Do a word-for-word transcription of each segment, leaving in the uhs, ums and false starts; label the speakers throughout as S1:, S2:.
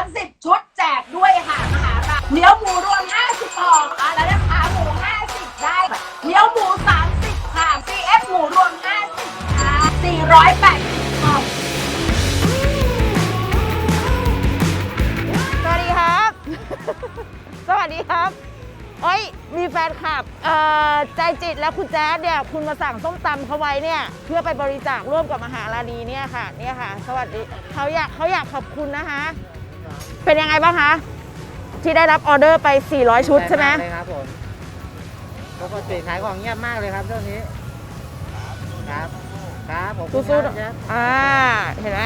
S1: สิบชุดแจกด้วยค่ะมหาราเนื้อหมูรวมห้าสิบห่อค่ะแล้วนะคะหมูห้าสิบได้เนื้อหมูสามสิบค่ะ ซี เอฟ หมูรวมห้าสิบค่ะสี่ร้อยแปดสิบห่อ
S2: สวัสดีครับ สวัสดีครับเอ้ยมีแฟนคลับเอ่อใจจิตและคุณแจ๊ดเนี่ยคุณมาสั่งส้มตำเขาไว้เนี่ยเพื่อไปบริจาคร่วมกับมหาราณีเนี่ยค่ะเนี่ยค่ะสวัสดีเขาอยากเขาอยากขอบคุณนะคะเป็นยังไงบ้างคะที่ได้รับออเดอร์ไปสี่ร้อยชุดใช่ไหม
S3: ใช่ครับผมปกติขายของเงียบมากเลยครับช่วงนี้ครับครับผม
S2: สู้ๆอ่าเห็นไหม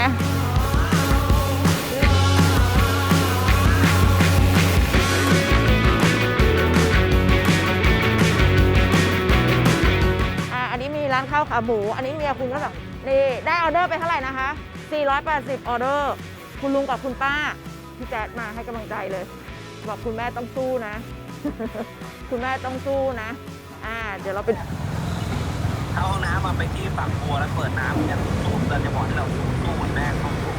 S2: ร้านข้าวขาหมูอันนี้เมียคุณก็แบบนี่ได้ออเดอร์ไปเท่าไหร่นะคะสี่ร้อยแปดสิบออเดอร์คุณลุงกับคุณป้าพี่แจ๊ดมาให้กำลังใจเลยบอกคุณแม่ต้องสู้นะ คุณแม่ต้องสู้นะอ่าเดี๋ยวเราไป
S4: เข้าห้องน้ำมาไปที่ฝักบัวแล้วเปิดน้ำจะสู้เดินจะบอกให้เราสู้สู้เหมือนแม่ต้องสู้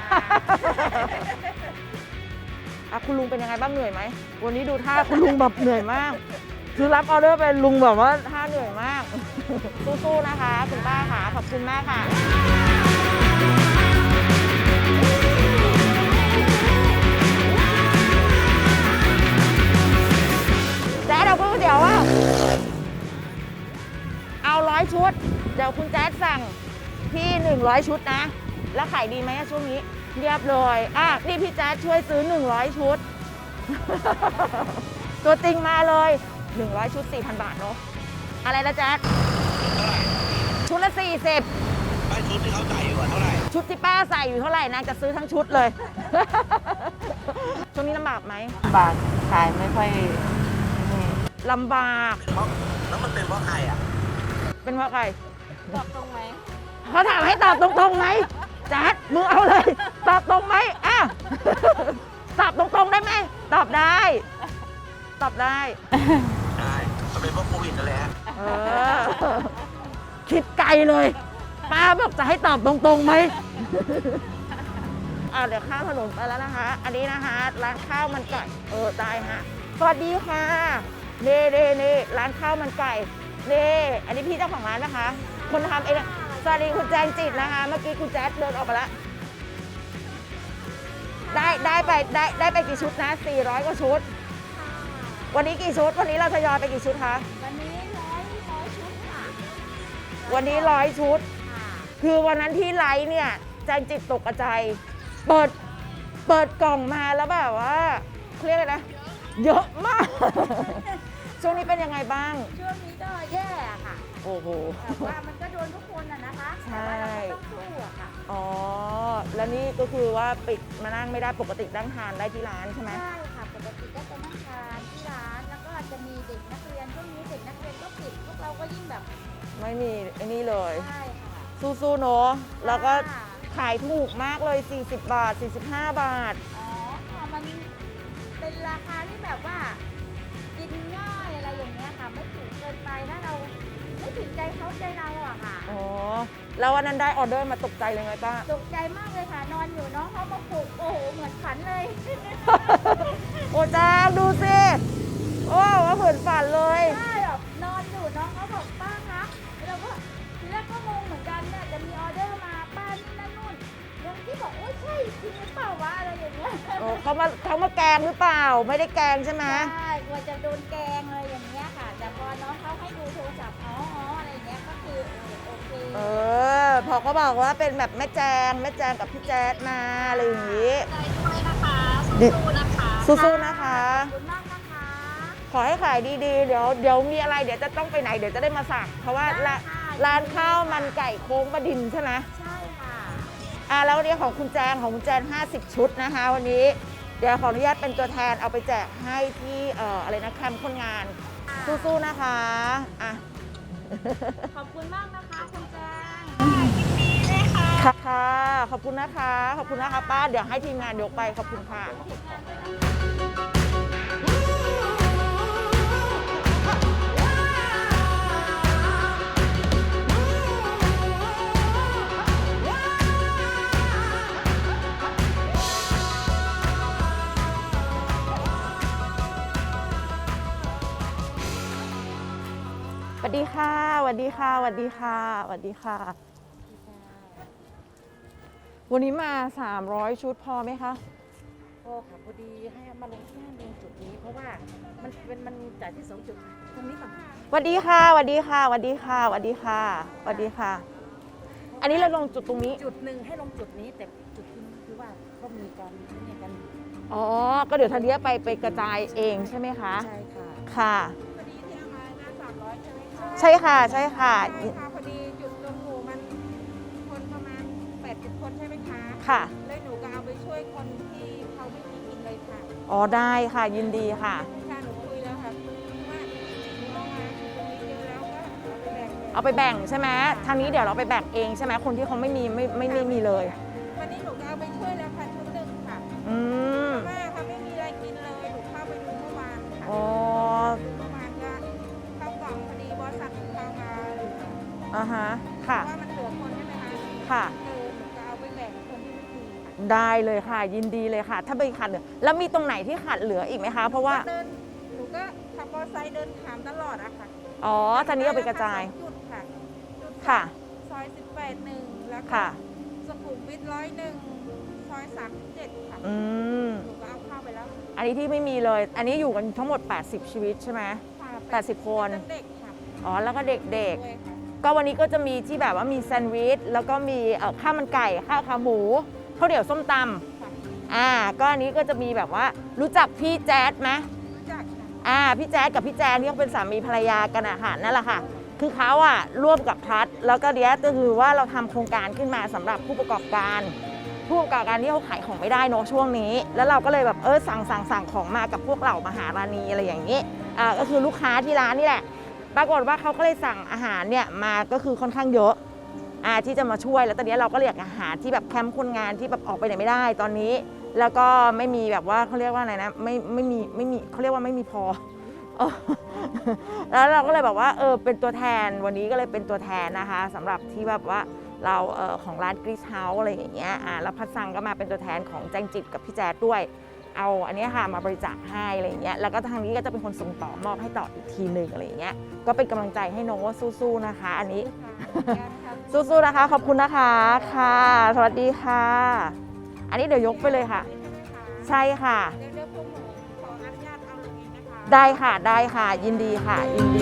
S2: อ่ะคุณลุงเป็นยังไงบ้างเหนื่อยไหมวันนี้ดูท่าคุณลุงแบบเหนื่อยมากคือรับออเดอร์ไปลุงแบบว่าท่าเหนื่อยมาก สู้ๆนะคะคุณป้าค่ะขอบคุณมากค่ะแจ๊ดเอาก๋วยเตี๋ยวว่าเอาร้อยชุดเดี๋ยวคุณแจ๊ดสั่งพี่หนึ่งร้อยชุดนะแล้วขายดีไหมช่วงนี้เรียบเลยอ่ะนี่พี่แจ๊ดช่วยซื้อหนึ่งร้อยชุด ตัวจริงมาเลยหนึ่งร้อยชุด สี่พัน บาทเนาะอะไรนะแจ๊ดชุดละสี่สิบ
S4: ไม่ชุดที่เขาใส่อยู่เท่าไหร่
S2: ชุดที่ป้าใส่อยู่เท่าไหร่นางจะซื้อทั้งชุดเลย ช่วงนี้ลำบากไหม
S3: ลำบากขายไม่ค่อย
S2: ลำบาก
S4: แล้วมันเป็นเพราะใครอ่ะ
S2: เป็นเพราะใคร
S1: ตอบตรงไหม
S2: เขาถามให้ตอบตรงๆไหมแจ๊ดมึงเอาเลยตอบตรงไหมอ่ะ ตอบตรงๆได้ไหมตอบได้ตอบได้
S4: ได้มันเป็นเพราะโควิดนั่นแหละ
S2: เออคิดไกลเลยป้าบอกจะให้ตอบตรงๆไหมอ่าเดี๋ยวข้ามถนนไปแล้วนะคะอันนี้นะคะร้านข้าวมันไก่เออได้ฮะสวัสดีค่ะเน่เน่เน่ร้านข้าวมันไก่เน่อันนี้พี่เจ้าของร้านนะคะคนทำเองสวัสดีคุณแจงจิตนะคะเมื่อกี้คุณแจ๊ดเดินออกไปแล้วได้ได้ไปได้ได้ไปกี่ชุดนะสี่ร้อยกว่าชุดวันนี้กี่ชุดวันนี้เราทยอยไปกี่ชุดคะ
S1: วันนี้ร้อยร้อยชุดค่ะ
S2: วันนี้ร้อยชุดคือวันนั้นที่ไลฟ์เนี่ยแจงจิตตกใจเปิดเปิดกล่องมาแล้วแบบว่าเรียกอะไรนะเยอะมาก ช่วงนี้เป็นยังไงบ้าง
S1: ช่วงนี้ก็แย่ค่ะ
S2: โอ้โห
S1: แต่ว่ามันก็โดนทุกคนอ่ะนะคะ
S2: ใช่
S1: ต้องสู้อะค่ะ
S2: อ๋อแล้วนี่ก็คือว่าปิดมานั่งไม่ได้ปกตินั่งทานได้ที่ร้านใช่ไหม
S1: ใช่ค่ะปกติก็จะนั่งทานที่ร้านแล้วก็จะมีเด็กนักเรียนช่วงนี้เด็กนักเรียนก็ปิดพวกเราก็ยิ่งแบบ
S2: ไม่มีไอ้นี่เลย
S1: ใช่ค่ะ
S2: สู้ๆเนาะแล้วก็ขายถูกมากเลยสี่สิบบาทสี่สิบห้าบาท
S1: อ๋อค่ะมันเป็นราคาที่แบบว่ากินง่ายอะไรอย่างเงี้ยค่ะไม่ถูกเกินไปถ้าเราไม่ถึงใจเขาใจเราอะค่ะ
S2: อ๋อแล้ววันนั้นได้ออเดอร์มาตกใจเลยไหมป้า
S1: ตกใจมากเลยค่ะนอนอยู่น้องเขามาปลุกโอ้โหเหมือนฝันเลย
S2: โอ้จ้าดูสิโอ้ว่าเหมือนฝันเลย
S1: ใช่แบบนอนอยู่น้องเขาบอกป้าคะเราก็ทีแรกก็งงเหมือนกันเนี่ยจะมีออเดอร์มาป้านี่นั่นนู่นยังที่บอกโอ้ยใช่จริงหรือเปล่าวะอะไรอย่างเงี้ย
S2: โอ้เขามาเขามาแกงหรือเปล่าไม่ได้แกงใช่ไหม
S1: ใช่กลัวจะโดนแกงอะไรอย่างเงี้ยค่ะแต่พอน้องเขาให้ดูโทรศัพท์อ๋ออ๋ออะไรเงี้ยก็คือโอเค
S2: เออพอเขาบอกว่าเป็นแบบแม่แจงแม่แจงกับพี่แจ๊ดมาอะไรอย่างงี้
S1: ใจด้วยนะคะสู้ๆนะคะ
S2: สู้ๆนะคะ
S1: ขอบคุณมากนะคะ
S2: ขอให้ขายดีๆเดี๋ยวเดี๋ยวมีอะไรเดี๋ยวจะต้องไปไหนเดี๋ยวจะได้มาสั่งเพราะว่าร้านข้าวมันไก่โค้งประดินใช่ไหม
S1: ใช่ค่ะ
S2: อ่าแล้ววันนี้ของคุณแจงของคุณแจงห้าสิบชุดนะคะวันนี้เดี๋ยวขออนุญาตเป็นตัวแทนเอาไปแจกให้ที่เอ่ออะไรนะแคมป์คนงานสู้ๆนะคะอ่ะ
S1: ขอบคุณมากนะคะคุณแจง
S2: ยินดีเลยค่ะค่ะขอบคุณนะคะขอบคุณนะคะป้าเดี๋ยวให้ทีมงานยกไปขอบคุณค่ะดีค่ะสวัสดีค่ะสวัสดีค่ะสวัสดีค่ะ วันนี้มา สามร้อย ชุดพอไหมคะ
S3: โอ้ค่ะพอดีให้มาลงที่ลงจุดนี้เพราะว่ามันเป็นมันจ่ายที่สองจุดตรงนี้ก่อน
S2: สวัสดีค่ะสวัสดีค่ะสวัสดีค่ะสวัสดีค่ะสวัสดีค่ะ อันนี้เราลงจุดตรงนี้
S3: จุดหนึ่งให้ลงจุดนี้แต่จุดที่คือว่าเขามีการเนี่ยกัน
S2: อ๋อ ก็เดี๋ยวทันเดียไปไปกระจายเองใช่ไหมคะ
S3: ใช่ค่ะ
S2: ค่ะ
S1: พอดีที่เอามาหน้าสามร้อยใช่ไหมคะ
S2: ใช่ค่ะ ใช่ค่ะ
S1: ใช่ค่ะพอดีจุดรวมหมู่มันคนประมาณแปดสิบคนใช่ไหมคะ
S2: ค่ะ
S1: เลยหนูก็เอาไปช่วยคนที่เขาไม่มีกินเลยค่ะ
S2: อ๋อ ได้ค่ะ ยินดีค่ะ
S1: ค่ะหนูคุยแล้วค่ะว่าหนูเอามาตรงนี้เยอะแล้วก็เอาไปแบ่ง
S2: เอาไปแบ่งใช่ไหมทางนี้เดี๋ยวเราไปแบ่งเองใช่ไหมคนที่เขาไม่มีไม่ไม่ไม่มีเลย
S1: วันนี้หนูก็เอาไปช่วยแล้วค่ะชุดหนึ่งค่ะ
S2: อืม
S1: เพราะว่าเขาไม่มีอะไรกินเลยหนูเข้าไปดูเมื่อวานค่ะ
S2: อ๋อ
S1: เมื่อวานก็เข้ากล่องพอดีบริษัทเข้ามาเหลือ
S2: อ่าฮะ ค่ะ
S1: ว่ามันเหลือคนใช่ไหมคะ
S2: ค่ะ
S1: เออหนูก็เอาไปแบ่งคนที่ไม่มีค่ะ
S2: ได้เลยค่ะ ยินดีเลยค่ะ ถ้าไปขาดเหลือ แล้วมีตรงไหนที่ขาดเหลืออีกไหมคะ เพราะว่า
S1: เดินหนูก็ขับมอเตอร์ไซค์เดินถามตลอดอะค่ะ
S2: อ๋อทางนี้เอาไปกระจาย
S1: จุดค่ะจุด
S2: ค่ะ
S1: ซอยสิบแปดหนึ่งแล้วก็
S2: ค่ะ
S1: สุขุมวิทร้อยหนึ่งซอยสามสิบเจ็ดค่ะ
S2: อืม
S1: หนูก็เอาเข้าไปแล้ว
S2: อันนี้ที่ไม่มีเลย อันนี้อยู่กันทั้งหมด แปดสิบ ชีวิตใช่ไหม
S1: ค่ะ
S2: แปดสิบคน
S1: เด็กค่ะ
S2: อ๋อ แล้วก็เด็ก
S1: ด้วยค่ะ
S2: ๆ ก็วันนี้ก็จะมีที่แบบว่ามีแซนด์วิช แล้วก็มีเอ่อข้าวมันไก่ ข้าวขาหมู ข้าวเหนียวส้มต
S1: ค่ะ
S2: ำอ่า ก็อันนี้ก็จะมีแบบว่า รู้จักพี่แจ๊ดไหม
S1: รู้จักค่ะ
S2: อ่า พี่แจ๊ดกับพี่แจนที่เขาเป็นสามีภรรยากันอะค่ะ นั่นแหละค่ะ คือเขาอะร่วมกับพัด แล้วก็เดียก็คือว่าเราทำโครงการขึ้นมาสำหรับผู้ประกอบการ ผู้ประกอบการที่เขาขายของไม่ได้เนอะช่วงนี้ แล้วเราก็เลยแบบเออสั่งสั่งสั่งของมากับพวกเรามหาราณีอะไรอย่างนี้ อ่า ก็คือลูกค้าที่ร้านนี่แหละ ปรากฏว่าเขาก็เลยสั่งอาหารเนี่ยมาก็คือค่อนข้างเยอะ อ่า ที่จะมาช่วย แล้วตอนนี้เราก็เรียกอาหารที่แบบแคมป์คนงานที่แบบออกไปไหนไม่ได้ตอนนี้ แล้วก็ไม่มีแบบว่าเขาเรียกว่าอะไรนะ ไม่ไม่มีไม่มีเขาเรียกว่าไม่มีพอ เออแล้วเราก็เลยแบบว่าเออเป็นตัวแทนวันนี้ก็เลยเป็นตัวแทนนะคะสำหรับที่แบบว่าเราเออของร้านกรีซเฮาส์อะไรอย่างเงี้ยอ่าแล้วพัดซังก็มาเป็นตัวแทนของแจงจิตกับพี่แจ๊ดด้วย เอาอันเนี้ยค่ะมาบริจาคให้อะไรอย่างเงี้ยแล้วก็ทางนี้ก็จะเป็นคนส่งต่อมอบให้ต่ออีกทีหนึ่งอะไรอย่างเงี้ยก็เป็นกำลังใจให้น้องว่าสู้ๆนะคะ อันนี้ สู้ๆนะคะขอบคุณนะคะค่ะ สวัสดีค่ะ อันนี้เดี๋ยวยกไปเลยค่ะ ใช่ค่ะ
S1: เดี๋ยวเดี๋ยวพวกหนูขออนุญาตเอาลงเองนะคะ
S2: ได้ค่ะได้ค่ะ ยินดีค่ะ ยินดี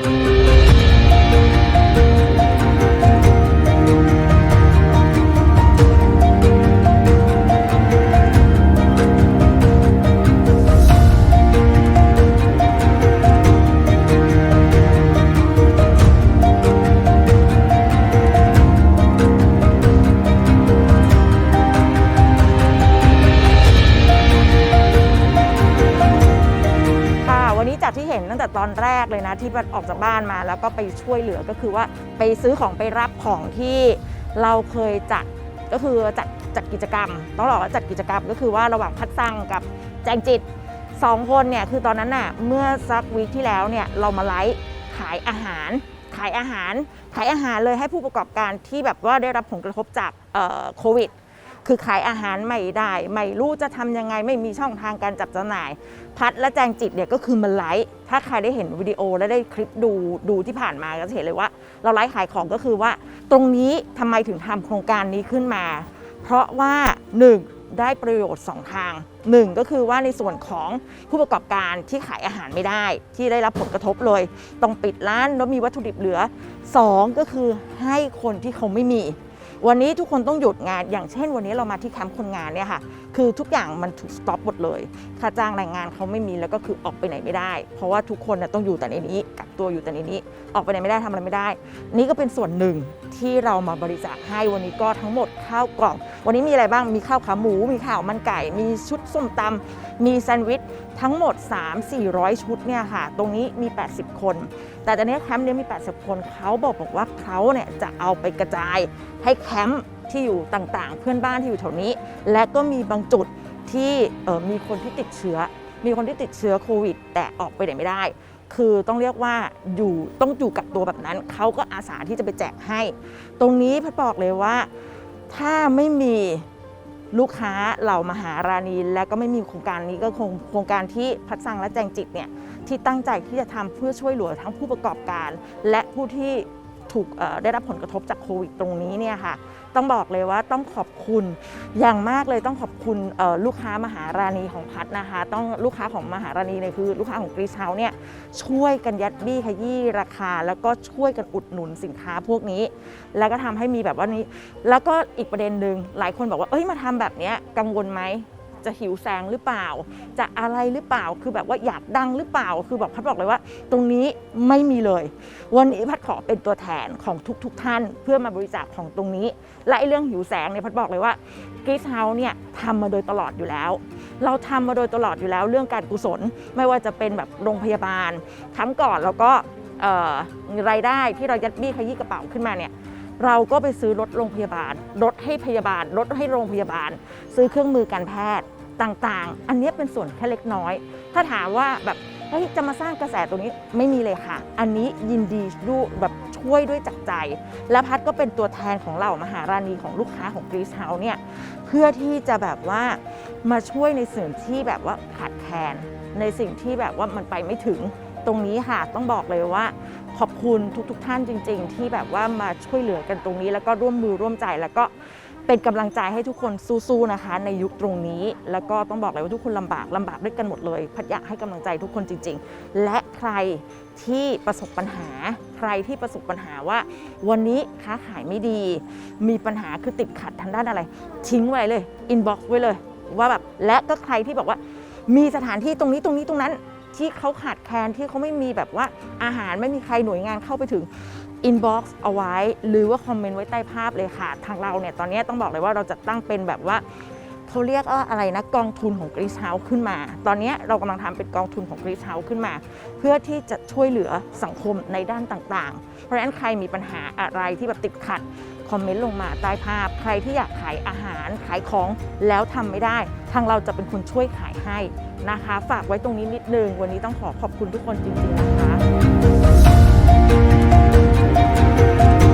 S2: ค่ะวันนี้จากที่เห็นตั้งแต่ตอนแรกเลยนะที่ออกจากบ้านมาแล้วก็ไปช่วยเหลือก็คือว่าไปซื้อของไปรับของที่เราเคยจัดก็คือจัดจัดกิจกรรมต้องบอกว่าจัดกิจกรรมก็คือว่าระหว่างพัดซังกับแจงจิตสองคนเนี่ยคือตอนนั้นน่ะเมื่อสักวีคที่แล้วเนี่ยเรามาไลฟ์ขายอาหาร ขายอาหารขายอาหารเลยให้ผู้ประกอบการที่แบบว่าได้รับผลกระทบจากเอ่อโควิด คือขายอาหารไม่ได้ไม่รู้จะทำยังไงไม่มีช่องทางการจับจำหน่าย พัดและแจงจิตเนี่ยก็คือมันไลฟ์ถ้าใครได้เห็นวิดีโอและได้คลิปดูดูที่ผ่านมาก็จะเห็นเลยว่า เราไลฟ์ขายของก็คือว่า ตรงนี้ทำไมถึงทำโครงการนี้ขึ้นมา เพราะว่าหนึ่งได้ประโยชน์สองทางหนึ่งก็คือว่าในส่วนของผู้ประกอบการที่ขายอาหารไม่ได้ ที่ได้รับผลกระทบเลยต้องปิดร้านแล้วมีวัตถุดิบเหลือสองก็คือให้คนที่เขาไม่มี วันนี้ทุกคนต้องหยุดงานอย่างเช่นวันนี้เรามาที่แคมป์คนงานเนี่ยค่ะคือทุกอย่างมันถูกสต็อปหมดเลยค่าจ้างแรงงานเขาไม่มีแล้วก็คือออกไปไหนไม่ได้ เพราะว่าทุกคนต้องอยู่แต่ในนี้กักตัวอยู่แต่ในนี้ออกไปไหนไม่ได้ทำอะไรไม่ได้ นี่ก็เป็นส่วนหนึ่งที่เรามาบริจาคให้วันนี้ก็ทั้งหมดข้าวกล่อง วันนี้มีอะไรบ้างมีข้าวขาหมูมีข้าวมันไก่ มีชุดส้มตำมีแซนด์วิชทั้งหมด สามถึงสี่ร้อย ชุดเนี่ยค่ะตรงนี้มีแปดสิบคนแต่ตอนนี้แคมป์นี้มีแปดสิบคนเขาบอกบอกว่าเขาเนี่ยจะเอาไปกระจายให้แคมป์ที่อยู่ต่างๆ เพื่อนบ้านที่อยู่แถวนี้และก็มีบางจุดที่มีคนที่ติดเชื้อมีคนที่ติดเชื้อโควิดแต่ออกไปไหนไม่ได้คือต้องเรียกว่าอยู่ต้องอยู่กับตัวแบบนั้นเขาก็อาสาที่จะไปแจกให้ตรงนี้พัดบอกเลยว่าถ้าไม่มีลูกค้าเหล่ามหาราณีและก็ไม่มีโครงการนี้ก็คงโครงการที่พัดสังและแจงจิตเนี่ยที่ตั้งใจที่จะทำเพื่อช่วยเหลือทั้งผู้ประกอบการและผู้ที่ถูกได้รับผลกระทบจากโควิดตรงนี้เนี่ยค่ะต้องบอกเลยว่าต้องขอบคุณอย่างมากเลยต้องขอบคุณลูกค้ามหาราณีของพัดนะคะต้องลูกค้าของมหาราณีเนี่ยคือลูกค้าของกรีซเฮาส์เนี่ยช่วยกันยัดบี้ขยี้ราคาแล้วก็ช่วยกันอุดหนุนสินค้าพวกนี้แล้วก็ทำให้มีแบบว่านี้แล้วก็อีกประเด็นหนึ่งหลายคนบอกว่าเอ้ยมาทำแบบนี้กังวลไหมจะหิวแสงหรือเปล่าจะอะไรหรือเปล่าคือแบบว่าอยากดังหรือเปล่าคือบอกพัดบอกเลยว่าตรงนี้ไม่มีเลยวันนี้พัดขอเป็นตัวแทนของทุกๆ ท่านเพื่อมาบริจาคของตรงนี้และไอ้เรื่องหิวแสงเนี่ยพัดบอกเลยว่ากรีซเฮาส์เนี่ยทำมาโดยตลอดอยู่แล้วเราทำมาโดยตลอดอยู่แล้วเรื่องการกุศลไม่ว่าจะเป็นแบบโรงพยาบาลครั้งก่อนแล้วก็รายได้ที่เรายัดบี้ขยี้กระเป๋าขึ้นมาเนี่ยเราก็ไปซื้อรถโรงพยาบาลรถให้พยาบาลรถให้โรงพยาบาลซื้อเครื่องมือการแพทย์ต่างๆอันนี้เป็นส่วนแค่เล็กน้อยถ้าถามว่าแบบเฮ้ยจะมาสร้างกระแสตรงนี้ไม่มีเลยค่ะอันนี้ยินดีดูแบบช่วยด้วยจากใจและพัดก็เป็นตัวแทนของเรามหาราณีของลูกค้าของกรีซเฮาส์เนี่ยเพื่อที่จะแบบว่ามาช่วยในสิ่งที่แบบว่าขาดแคลนในสิ่งที่แบบว่ามันไปไม่ถึงตรงนี้ค่ะต้องบอกเลยว่าขอบคุณทุกๆ ท่านจริงๆที่แบบว่ามาช่วยเหลือกันตรงนี้แล้วก็ร่วมมือร่วมใจแล้วก็เป็นกำลังใจให้ทุกคนสู้ๆนะคะในยุคตรงนี้แล้วก็ต้องบอกเลยว่าทุกคนลำบากลำบากด้วยกันหมดเลยพัดอยากให้กำลังใจทุกคนจริงๆและใครที่ประสบปัญหาใครที่ประสบปัญหาว่าวันนี้ค้าขายไม่ดีมีปัญหาคือติดขัดทางด้านอะไรทิ้งไว้เลยอินบ็อกซ์ไว้เลยว่าแบบและก็ใครที่บอกว่ามีสถานที่ตรงนี้ตรงนี้ตรงนั้นที่เขาขาดแคลนที่เขาไม่มีแบบว่าอาหารไม่มีใครหน่วยงานเข้าไปถึงอินบ็อกซ์เอาไว้หรือว่าคอมเมนต์ไว้ใต้ภาพเลยค่ะทางเราเนี่ยตอนนี้ต้องบอกเลยว่าเราจะตั้งเป็นแบบว่าเขาเรียกว่าอะไรนะกองทุนของกรีซเฮาส์ขึ้นมาตอนนี้เรากำลังทำเป็นกองทุนของกรีซเฮาส์ขึ้นมาเพื่อที่จะช่วยเหลือสังคมในด้านต่างๆเพราะฉะนั้นใครมีปัญหาอะไรที่แบบติดขัดคอมเมนต์ลงมาใต้ภาพใครที่อยากขายอาหารขายของแล้วทำไม่ได้ทางเราจะเป็นคนช่วยขายให้นะคะฝากไว้ตรงนี้นิดนึงวันนี้ต้องขอขอบคุณทุกคนจริงๆนะคะ